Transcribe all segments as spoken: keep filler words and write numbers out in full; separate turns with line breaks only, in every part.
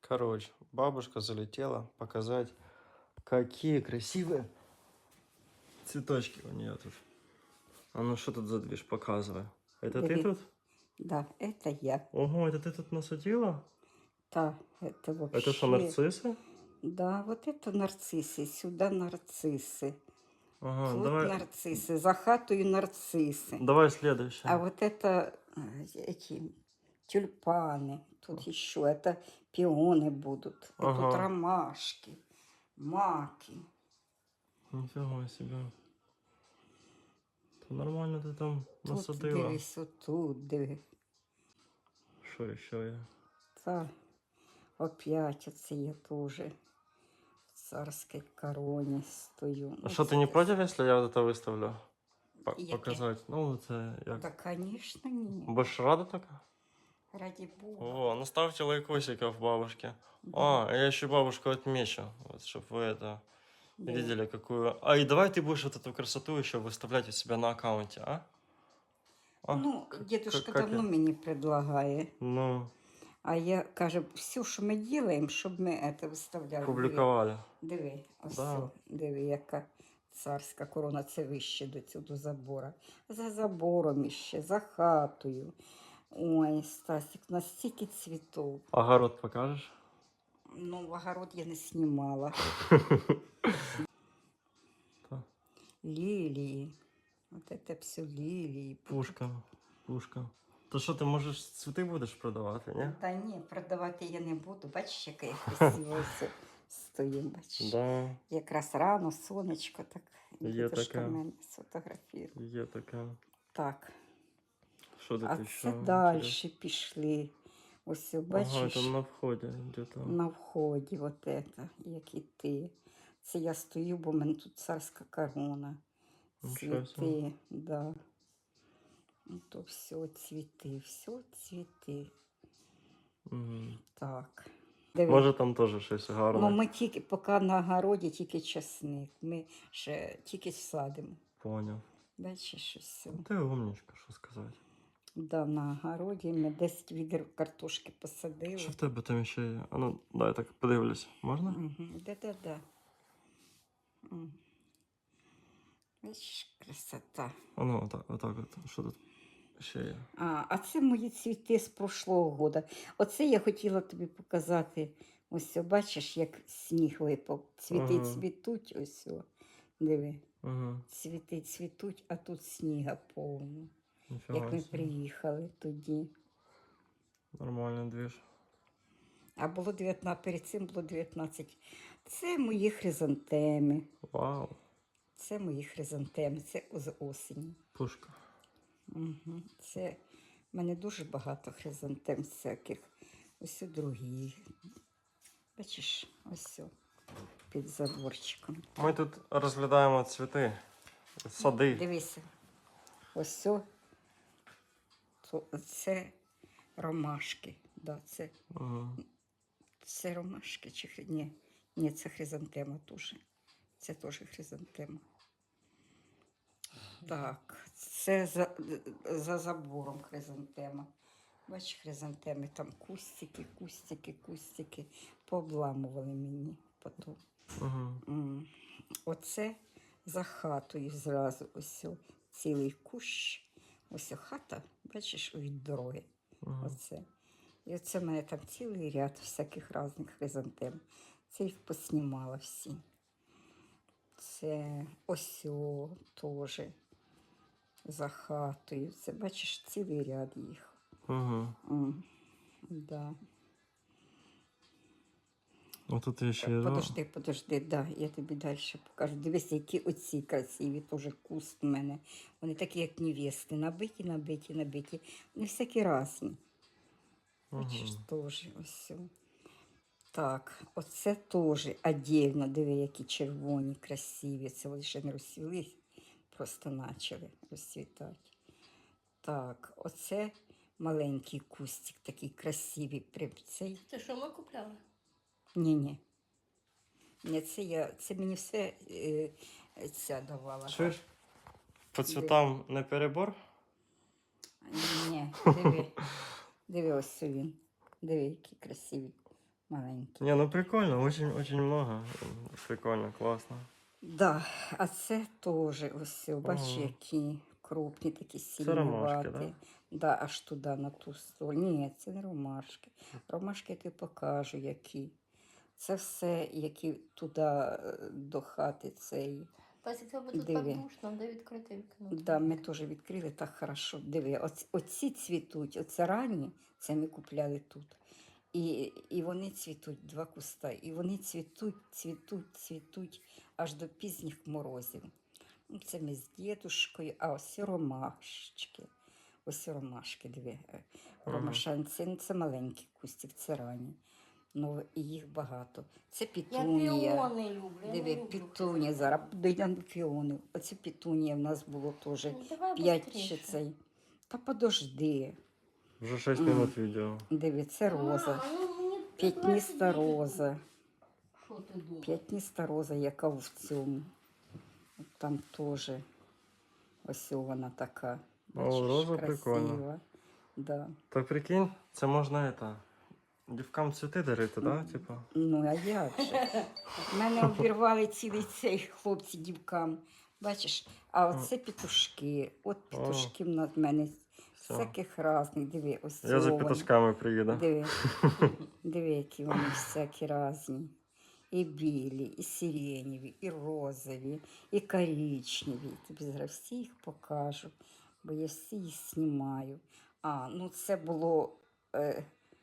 Короче, бабушка залетела показать, какие красивые цветочки у нее тут. А ну что тут за движ, показывай. Это ты
Диви.
тут?
Да, это я.
Ого, это ты тут насадила?
Да, это вообще...
Это что, нарциссы?
Да, вот это нарциссы, сюда нарциссы.
Ага,
Тут
давай,
нарциссы, за хатою нарциссы.
давай следующее.
А вот это э, эти тюльпаны. Тут еще это пионы будут. И тут
Ага.
ромашки, маки.
Нифига себе. То нормально ты там
Тут
насадила.
дивись, отут диви.
Что еще я?
Та опять оце я теж в царській короні стою.
А что, ты не против, если я вот это выставлю? По-
Яке?
Показать? Ну, это як.
Да, конечно, ні.
Больше рада така?
Ради Бога.
О, ну ставьте лайкосиков бабушке.
Да.
А, я еще бабушку отмечу, вот, чтобы вы это
Да.
видели, какую... А, и давай ты будешь вот эту красоту еще выставлять у себя на аккаунте, а? А?
Ну,
К-
дедушка
как
давно
я?
мені предлагає.
Ну,
А я кажу, все, що ми робимо, щоб ми це виставляли.
публиковали.
Диви, ось
Да.
це, диви, яка царська корона, це вище до цього до забора. За забором іще, за хатою. Ой, Стасик, настільки цвітов.
Огород покажешь?
Ну, в огород я не знімала.
Да.
Лілії. От це все лілії.
Пушка, пушка. То что, ты можешь цветы будешь продавать, не?
Та ні, продавати я не буду. Бачиш, яка я красиво все стою, бачиш.
Да,
Якраз рано, сонечко, так.
Є
Дідушка
таке.
мене сфотографує.
є такая.
Так.
Что тут
А
еще?
це далі пішли. Ось,
Ага,
бачиш,
это на входе где-то.
на вході, от це, як і ти. Це я стою, бо в мене тут царська корона.
Нічого собі.
Цвіти, да. Ну, то все цвіти, все цвіти.
Мгм.
Так. Диви.
Може там теж щось гарне.
Ну, ми тільки, поки на огороді тільки часник. Ми ще тільки садимо.
Поняв.
Бачиш, все.
Ну, ти умничка, що сказати.
Да, на огороді ми десять відер картошки посадили.
Що в тебе там ще є? А ну, дай так подивлюсь. Можна?
Угу. Да-да-да. М. Бачиш, красота.
А ну, отак, отак от. Що тут ще є?
А, а це мої цвіти з прошлого года. Оце я хотіла тобі показати. Ось, о, бачиш, як сніг випав. Цвіти
Ага.
цвітуть, ось, о. Диви.
Ага.
Цвіти цвітуть, а тут сніга повно.
Ніфіга
Як ми
собі.
приїхали тоді.
Нормальний двіж.
А було дев'ятнадцять, перед цим було дев'ятнадцять. Це мої хризантеми.
Вау.
Це мої хризантеми, це з осені.
Пушка.
Угу. Це в мене дуже багато хризантем всяких. Ось у другі. Бачиш, ось о, під заборчиком.
Ми тут розглядаємо цвіти. Сади.
Дивися. Ось о, то це ромашки. Да, це,
Ага.
це ромашки чи хри- ні, ні, це хризантема теж. Це теж хризантема. Так, це за, за забором хризантема. Бачиш, хризантеми, там кустики, кустики, кустики. Пообламували мені потім.
Ага.
М. Оце за хатою зразу ось о, цілий кущ. Ось о, хата, бачиш, від дороги.
Ага.
Оце. І оце в мене там цілий ряд всяких різних хризантем. Це їх поснімала всі. Це ось о, теж за хатою. Це, бачиш, цілий ряд їх.
Ага.
М, да.
А тут є ще...
Подожди, подожди, да, я тобі далі покажу. Дивись, які оці красиві, теж куст в мене. Вони такі, як невести, набиті, набиті, набиті. Вони всякі різні. Бачиш, теж ось. о. Так, оце теж отдельно, диви, які червоні, красиві. Це вони ще не розцвілись, просто почали розцвітати. Так, оце маленький кустик, такий красивий. Прям цей.
Це що ми купляли?
Ні-ні. Ні, це я, це мені все е, ця давала.
Чуєш? По цвітам не перебор?
Ні, диви. Диви, ось він. Диви, який красивий маленькі.
Не, ну прикольно, очень, очень много. Прикольно, классно.
Да, а це теж ось, бачиш,
Ого.
які крупні, такі
Це ромашки,
сильнуваті. Да, аж туди, на ту сторону. Ні, це не ромашки. Ромашки я тобі покажу, які. Це все, які туди е, до хати цей.
Тася, тебе тут
Диви.
так душно, де відкрити вікно?
Да, ми теж відкрили так хорошо. Диви, оці, оці цвітуть, оце ранні, це ми купляли тут. І, і вони цвітуть, два куста. І вони цвітуть, цвітуть, цвітуть аж до пізніх морозів. Ну, це ми з дідушкою, а ось ромашки. Ось ромашки, диви.
Ага.
Ромашанці, ну, це маленький кустик, це ранні. Ну, і їх багато. Це
Я
пітунія.
піони люблю. я не
Диви,
люблю
пітунія,
хризантеми.
зараз дійдемо до піони. Оце пітунія в нас було теж
Ну, давай
п'ять
быстріше.
чи цей. Та подожди.
Уже шесть
Мгм.
минут видео.
Диви, це роза.
Мама, ну, мені
П'ятніста
двадцять днів
роза.
тут. Що ти думаєш?
П'ятніста роза, яка в цьому. От там теж. Ось вона така. Бачиш,
роза
красива.
прикольна.
Да.
Так прикинь, це можна это, дівкам цвіти дарити, да? Типа.
Ну, а як же? Мене обірвали цілий цей хлопці дівкам. Бачиш, а оце петушки. От петушки в нас- в мене
Всё.
всяких разних. Диви, ось
Я за
вони.
пітушками приїду.
Диви, диви, які вони всякі різні. І білі, і сиреневі, і розові, і коричневі. Тобі зараз всі їх покажу, бо я всі їх знімаю. А, ну це було, е,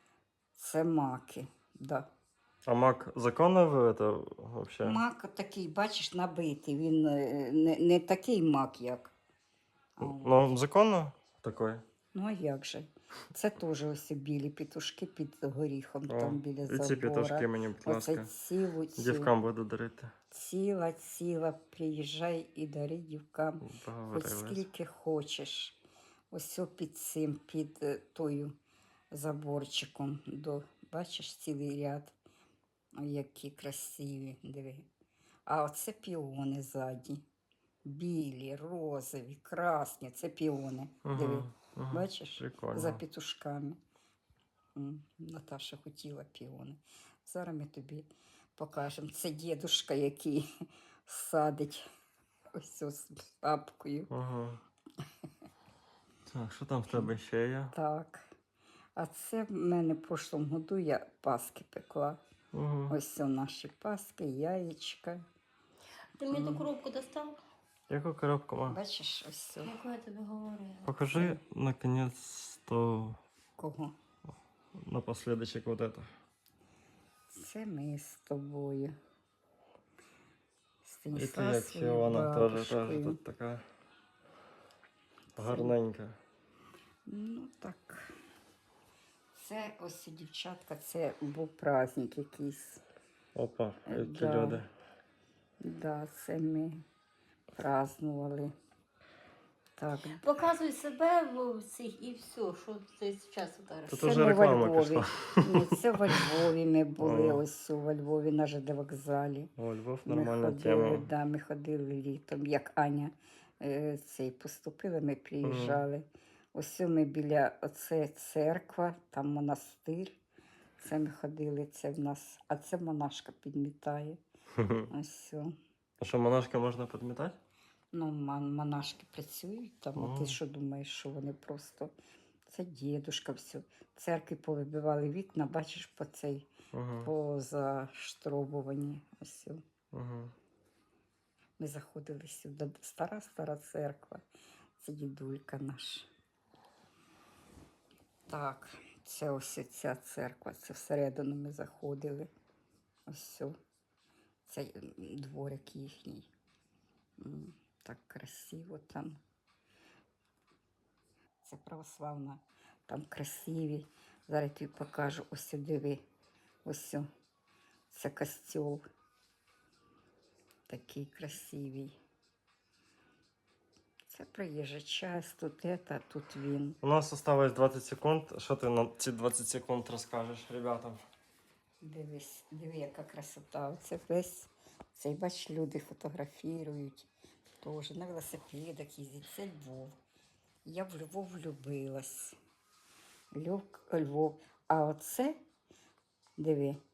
це маки, да.
А мак законно ви это вообще?
Мак такий, бачиш, набитий, він е, не, не такий мак, як. А,
Ну, законно такой?
ну, а як же? Це теж ось білі петушки під горіхом,
О,
там біля
і
забора.
ці пітушки мені, будь
Оце
ласка.
цілу, цілу.
Дівкам буду дарити.
Ціла, ціла, приїжджай і дари дівкам, хоч
Поговорились.
скільки хочеш. Ось о під цим, під е, тою заборчиком. До, бачиш, цілий ряд. Ой, які красиві, диви. А оце піони ззаді. Білі, розові, красні, це піони. Диви,
Угу, угу.
бачиш?
Прикольно.
За петушками. М, Наташа хотіла піони. Зараз ми тобі покажемо. Це дідушка, який садить ось цю з папкою.
Угу. Так, що там в тебе ще є?
Так. А це в мене в прошлому году я паски пекла.
Угу.
Ось це наші паски, яєчка.
Ти мені ту коробку достав?
Яку коробку, ма?
Бачиш, ось це.
Яку я тобі говорила?
Покажи, наконец-то,
Кого?
напоследочек вот это.
Це ми з тобою. З
І ти як
Станіславською
Фіона теж, теж
бабушкою.
тут така гарненька.
Ну так. Це ось дівчатка, це був праздник якийсь.
Опа,
Е,
які
да.
люди.
Да, це ми празднували. Так.
Показуй себе в цих і все, що ти зараз удариш.
Тут
Це
уже
ми во
реклама
Львові.
пішла.
Ні, це во Львові ми були,
О.
ось во Львові на ЖД вокзалі.
О, Львов,
Ми
нормальна
ходили,
тема.
да, ми ходили літом, як Аня е, цей поступила, ми приїжджали. Ось ми біля, оце церква, там монастир. Це ми ходили, це в нас, а це монашка підмітає. Ось все.
А що, монашка можна підмітати?
Ну, мон- монашки працюють там, а
Ага.
ти що думаєш, що вони просто. Це дідушка, все. Церкви повибивали вікна, бачиш, по цей,
Угу.
позаштробувані. Ось. все.
Угу.
Ми заходили сюди. Стара стара церква. Це дідулька наш. Так, це ось ця церква. Це всередину ми заходили. Ось все. Це м, дворик їхній. М, Так красиво там. Це православна. Там красиві. Зараз я тобі покажу. Ось диви. Ось. о. Це костьол. Такий красивий. Це приїжджа час, тут это, тут він.
У нас осталось двадцять секунд. Що ти на ці двадцять секунд розкажеш ребятам?
Дивись, диви, яка красота. Це весь, цей, бач, люди фотографірують. Теж на велосипедах їздять. Це Львов. Я в Львов влюбилась. Львов, Львов. А оце, диви,